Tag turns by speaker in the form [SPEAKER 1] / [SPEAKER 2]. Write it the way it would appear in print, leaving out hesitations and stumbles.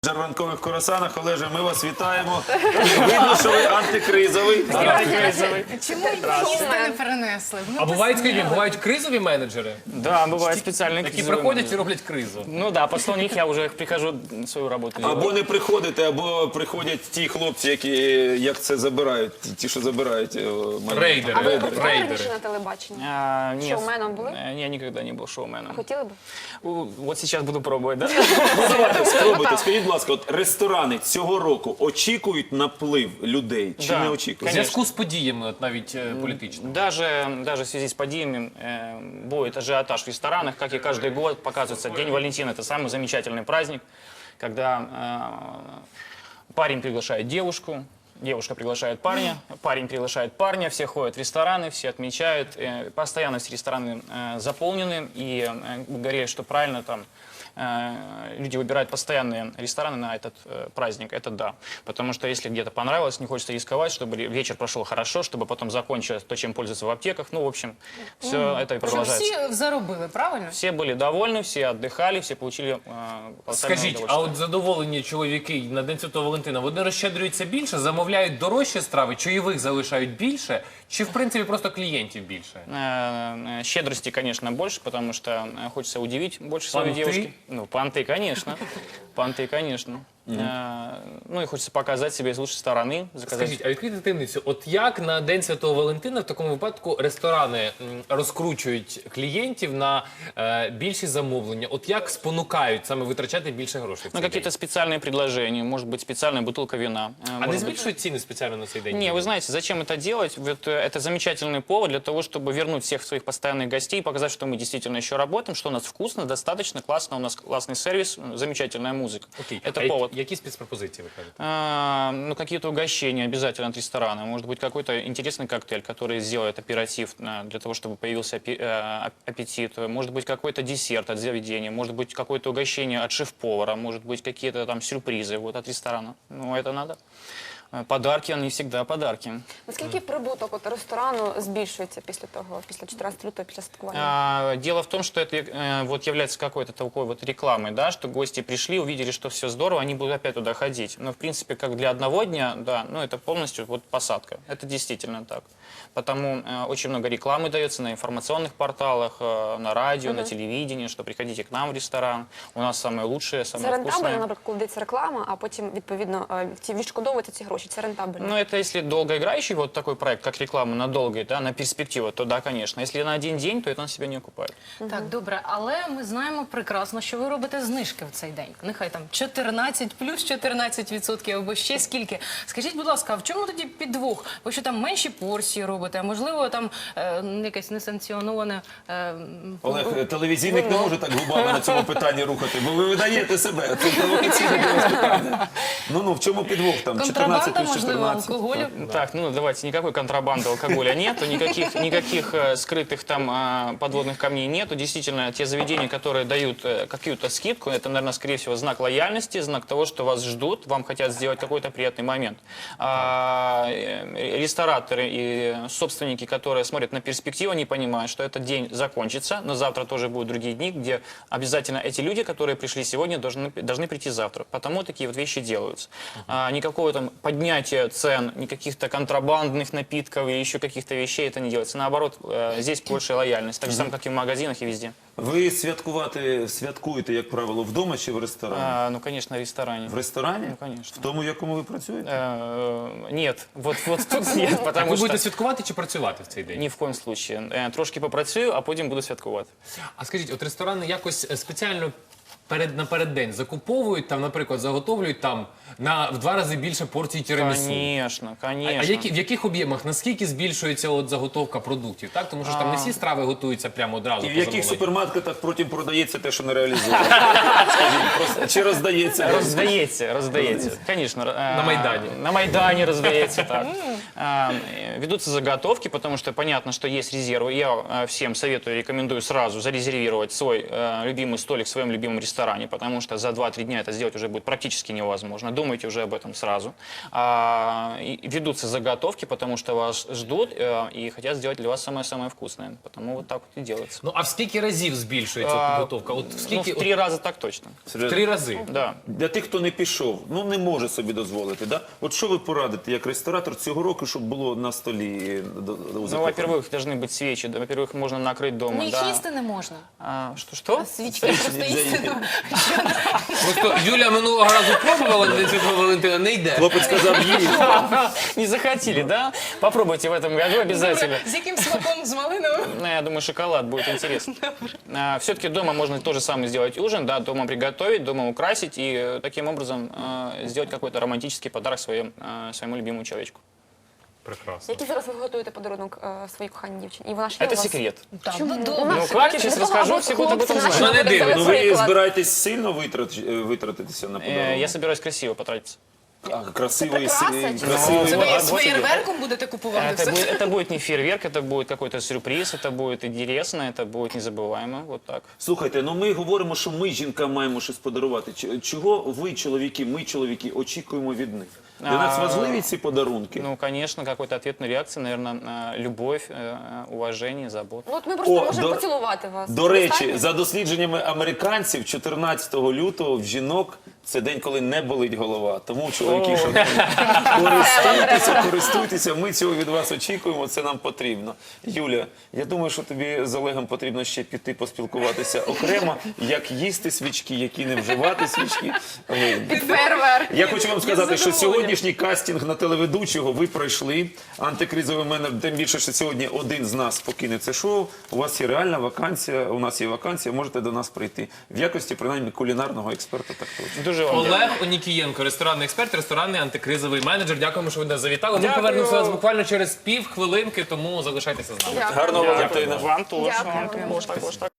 [SPEAKER 1] Ранкових курасанах. Олеже, ми вас вітаємо. Видно, що ви антикризовий.
[SPEAKER 2] Чому їсти не перенесли?
[SPEAKER 3] А бувають, скажіть, бувають кризові менеджери,
[SPEAKER 4] Да, бывает специальные
[SPEAKER 3] які
[SPEAKER 4] кризовые
[SPEAKER 3] приходять і
[SPEAKER 4] менеджеры.
[SPEAKER 3] роблять кризу?
[SPEAKER 4] Ну да, после них я уже прихожу свою работу делать.
[SPEAKER 1] Або не приходите, або приходять ті хлопці, які як це забирають, ті, що забирають.
[SPEAKER 3] Рейдери.
[SPEAKER 5] А ви
[SPEAKER 3] Рейдери.
[SPEAKER 5] працювали раніше на телебаченні?
[SPEAKER 4] Нет,
[SPEAKER 5] Шоуменом были?
[SPEAKER 4] Я никогда не был шоуменом.
[SPEAKER 5] Хотіли б?
[SPEAKER 4] Вот сейчас буду пробовать, да?
[SPEAKER 1] Ну, давайте, спробуйте. Скажіть, будь ласка, от ресторани цього року очікують наплив людей чи
[SPEAKER 4] Да,
[SPEAKER 1] не
[SPEAKER 3] В
[SPEAKER 1] очікують?
[SPEAKER 3] зв'язку з подіями, от навіть політичними.
[SPEAKER 4] Даже в связи с падениями будет ажиотаж в ресторанах, как и каждый год показывается. День Валентина – это самый замечательный праздник, когда парень приглашает девушку, девушка приглашает парня, парень приглашает парня, все ходят в рестораны, все отмечают. Постоянно все рестораны заполнены, и говорили, что правильно там люди выбирают постоянные рестораны на этот праздник, это да. Потому что если где-то понравилось, не хочется рисковать, чтобы вечер прошел хорошо, чтобы потом закончилось то, чем пользуются в аптеках. Ну, в общем, все это и
[SPEAKER 2] Що
[SPEAKER 4] продолжается.
[SPEAKER 2] всі заробили, правильно?
[SPEAKER 4] Все были довольны, все отдыхали, все получили колоссальное
[SPEAKER 3] Скажіть, а
[SPEAKER 4] удовольствие.
[SPEAKER 3] от задоволені чоловіки на День Святого Валентина, вони розщедрюються більше, замовляють дорожчі страви, чайових залишають більше, чи в принципі просто клієнтів більше?
[SPEAKER 4] Щедрости, конечно, больше, потому что хочется удивить больше своей
[SPEAKER 3] Понты?
[SPEAKER 4] девушки. Ну, понты, конечно. Понты, конечно. Ну и хочется показать себя с лучшей стороны. Заказать.
[SPEAKER 3] Скажіть, а відкрийте таємницю, от як на День Святого Валентина в такому випадку ресторани розкручують клієнтів на більші замовлення? От як спонукають саме витрачати більше грошей в
[SPEAKER 4] Ну,
[SPEAKER 3] цей
[SPEAKER 4] какие-то
[SPEAKER 3] день?
[SPEAKER 4] специальные предложения, может быть, специальная бутылка вина.
[SPEAKER 3] А не
[SPEAKER 4] может быть.
[SPEAKER 3] збільшують ціни спеціально на цей день?
[SPEAKER 4] Не, вы знаете, зачем это делать? Вот, это замечательный повод для того, чтобы вернуть всех своих постоянных гостей, показать, что мы действительно еще работаем, что у нас вкусно, достаточно, классно, у нас классный сервис, замечательная музыка.
[SPEAKER 3] Окей.
[SPEAKER 4] Это
[SPEAKER 3] А
[SPEAKER 4] повод.
[SPEAKER 3] які спецпропозиції ви кажете?
[SPEAKER 4] Ну, какие-то угощения обязательно от ресторана. Может быть, какой-то интересный коктейль, который сделает оператив для того, чтобы появился аппетит. Может быть, какой-то десерт от заведения. Может быть, какое-то угощение от шеф-повара. Может быть, какие-то там сюрпризы вот, от ресторана. Ну, это надо. Подарки, они всегда подарки.
[SPEAKER 5] Наскільки прибуток от ресторану збільшується після того, після 14 лютого, після святкування?
[SPEAKER 4] Дело в том, что это вот является какой-то такой вот рекламой, да, что гости пришли, увидели, что все здорово, они будут опять туда ходить. Но, в принципе, как для одного дня, да, ну, это полностью вот посадка. Это действительно так. Потому очень много рекламы дается на информационных порталах, на радио, на телевидении, что приходите к нам в ресторан, у нас самое лучшее,
[SPEAKER 5] Це
[SPEAKER 4] самое
[SPEAKER 5] рентабельно,
[SPEAKER 4] вкусное.
[SPEAKER 5] наприклад, коли йдеться реклама, а потім, відповідно, відшкодовуються ці гроші. Це рентабельно.
[SPEAKER 4] Ну, это если долгоиграющий вот такой проект, как реклама на долгий, да, на перспективу, то да, конечно. Если на один день, то это он себя не окупает.
[SPEAKER 2] Так, добре, але ми знаємо прекрасно, що ви робите знижки в цей день. Нехай там 14 плюс 14% або ще скільки. Скажіть, будь ласка, а в чому тоді підвох? Ви що там менші порції робите, а можливо там якесь несанкціоноване...
[SPEAKER 1] Олег, телевізійник не може так губами на цьому питанні рухати, бо ви видаєте себе. Це провокаційне для вас питання. Ну, в чому підвох там? 14
[SPEAKER 2] Контрабанда,
[SPEAKER 1] плюс
[SPEAKER 2] можливо,
[SPEAKER 1] 14.
[SPEAKER 2] алкоголю?
[SPEAKER 4] Так, ну давайте, никакой контрабанды алкоголя нету, никаких скрытых там подводных камней нету. Действительно, те заведения, которые дают какую-то скидку, это, наверное, скорее всего, знак лояльности, знак того, что вас ждут, вам хотят сделать какой-то приятный момент. Рестораторы и собственники, которые смотрят на перспективу, они понимают, что этот день закончится, но завтра тоже будут другие дни, где обязательно эти люди, которые пришли сегодня, должны прийти завтра. Потому такие вот вещи делаются. Никакого там поднятия цен, никаких-то контрабандных напитков и еще каких-то вещей это не делается. Наоборот, здесь больше лояльность, так же самое, как и в магазинах и везде.
[SPEAKER 1] Ви святкуєте, як правило, вдома чи в ресторані?
[SPEAKER 4] Ну, конечно, в ресторане.
[SPEAKER 1] В ресторані?
[SPEAKER 4] Ну, конечно.
[SPEAKER 1] В тому, в якому ви працюєте?
[SPEAKER 4] Нет, вот тут нет,
[SPEAKER 3] Так
[SPEAKER 4] потому
[SPEAKER 3] ви
[SPEAKER 4] что
[SPEAKER 3] будете святкувати чи працювати в цей день?
[SPEAKER 4] ни в коем случае. Трошки попрацюю, а потім буду святкувати.
[SPEAKER 3] А скажіть, от ресторани якось спеціально напереддень закуповують, там, наприклад, заготовлюють там в 2 рази більше порцій тірамісу?
[SPEAKER 4] Конечно, конечно.
[SPEAKER 3] А в яких об'ємах, наскільки збільшується от заготовка продуктів? Так? Тому що ж там не всі страви готуються прямо одразу.
[SPEAKER 1] І в
[SPEAKER 3] по
[SPEAKER 1] яких
[SPEAKER 3] замовленню.
[SPEAKER 1] супермаркетах потім продається те, що не реалізовано? Скажіть, просто, чи роздається?
[SPEAKER 4] Роздається. Конечно.
[SPEAKER 3] На Майдані.
[SPEAKER 4] На Майдані роздається, так. Ведутся заготовки, потому что понятно, что есть резервы. Я всем советую, рекомендую сразу зарезервировать свой любимый столик в своем любимом ресторане. ресторане, потому что за 2-3 дня это сделать уже будет практически невозможно. Думайте уже об этом сразу. И ведутся заготовки, потому что вас ждут и хотят сделать для вас самое-самое вкусное. Потому вот так вот и делается.
[SPEAKER 3] Ну а в скільки разів збільшується підготовка? От в
[SPEAKER 4] Ну,
[SPEAKER 3] скільки?
[SPEAKER 4] в 3 раза так точно.
[SPEAKER 3] В 3 рази.
[SPEAKER 4] Да.
[SPEAKER 1] Для тих, хто не пішов, ну не може собі дозволити. Да? От що ви порадите як ресторатор цього року, щоб було на столі у
[SPEAKER 4] Ну,
[SPEAKER 1] закоханих?
[SPEAKER 4] во-первых, должны быть свечи. Да, во-первых, можно накрыть дома.
[SPEAKER 2] Ну, їх
[SPEAKER 4] да.
[SPEAKER 2] їсти не можна.
[SPEAKER 4] Что?
[SPEAKER 2] Свічки просто їсти. Ну,
[SPEAKER 3] Просто Юля минулого разу пробувала на День Святого Валентина, не йде.
[SPEAKER 1] Хлопець сказав їй.
[SPEAKER 4] Не захотели, да? Попробуйте в этом году обязательно.
[SPEAKER 2] З яким смаком? З малиновим?
[SPEAKER 4] Ну, я думаю, шоколад будет интересно. Все-таки дома можно то же самое сделать ужин, да, дома приготовить, дома украсить и таким образом сделать какой-то романтический подарок своему любимому человечку.
[SPEAKER 3] Прекрасно.
[SPEAKER 5] Який зараз ви готуєте подарунок своїй коханій дівчині? І вона ще
[SPEAKER 4] Это
[SPEAKER 5] у вас?
[SPEAKER 4] секрет.
[SPEAKER 2] Так,
[SPEAKER 5] Чому?
[SPEAKER 2] ну
[SPEAKER 5] У
[SPEAKER 2] добре.
[SPEAKER 5] нас
[SPEAKER 4] Ну,
[SPEAKER 5] секрет
[SPEAKER 4] как я сейчас
[SPEAKER 5] для того,
[SPEAKER 4] расскажу,
[SPEAKER 5] аби
[SPEAKER 4] все будут об этом
[SPEAKER 5] хлопці
[SPEAKER 4] знать.
[SPEAKER 5] наші
[SPEAKER 3] Ну, не
[SPEAKER 5] говорили,
[SPEAKER 3] дивно.
[SPEAKER 1] Ну ви
[SPEAKER 5] приклад.
[SPEAKER 1] збираєтесь сильно витратитися на подарунок?
[SPEAKER 4] Я собираюсь красиво потратиться.
[SPEAKER 1] Красивий,
[SPEAKER 5] Це
[SPEAKER 1] красивий.
[SPEAKER 2] Це
[SPEAKER 4] Ну,
[SPEAKER 2] ви
[SPEAKER 4] вот
[SPEAKER 2] з
[SPEAKER 4] тебе.
[SPEAKER 2] феєрверком будете купувати все?
[SPEAKER 4] Это будет не фейерверк, это будет какой-то сюрприз, это будет интересно, это будет незабываемо. Вот так.
[SPEAKER 1] Слухайте, ну ми говоримо, що ми жінкам маємо щось подарувати. Чого ви, чоловіки, ми, чоловіки, очікуємо від них? Для нас важливі ці подарунки?
[SPEAKER 4] Ну, конечно, какой-то ответной реакции, наверное, любовь, уважение, забота.
[SPEAKER 5] Ну, от ми просто
[SPEAKER 1] О,
[SPEAKER 5] можемо
[SPEAKER 1] до-
[SPEAKER 5] поцілувати вас.
[SPEAKER 1] До речі,
[SPEAKER 5] Достатньо?
[SPEAKER 1] за дослідженнями американців, 14 лютого в жінок це день, коли не болить голова. Тому, чоловіки, що користуйтеся, ми цього від вас очікуємо, це нам потрібно. Юля, я думаю, що тобі з Олегом потрібно ще піти поспілкуватися окремо, як їсти свічки, які не вживати свічки.
[SPEAKER 5] Під фейерверк.
[SPEAKER 1] Я хочу вам сказати, що сьогоднішній кастинг на телеведучого ви пройшли. Антикризовий менеджер, тим більше, що сьогодні один з нас покине це шоу. У вас є реальна вакансія, у нас є вакансія, можете до нас прийти. В якості, принаймні, кулінарного експерта так точно.
[SPEAKER 4] Дуже вам дякую.
[SPEAKER 3] Олег Онікієнко, ресторанний експерт, ресторанний антикризовий менеджер. Дякуємо, що ви нас завітали. Ми
[SPEAKER 4] Дякую.
[SPEAKER 3] повернемося до вас буквально через півхвилинки, тому залишайтеся з нами.
[SPEAKER 1] Гарного Валентина.
[SPEAKER 4] Вам тоже.
[SPEAKER 5] Дякую.
[SPEAKER 4] Вам також.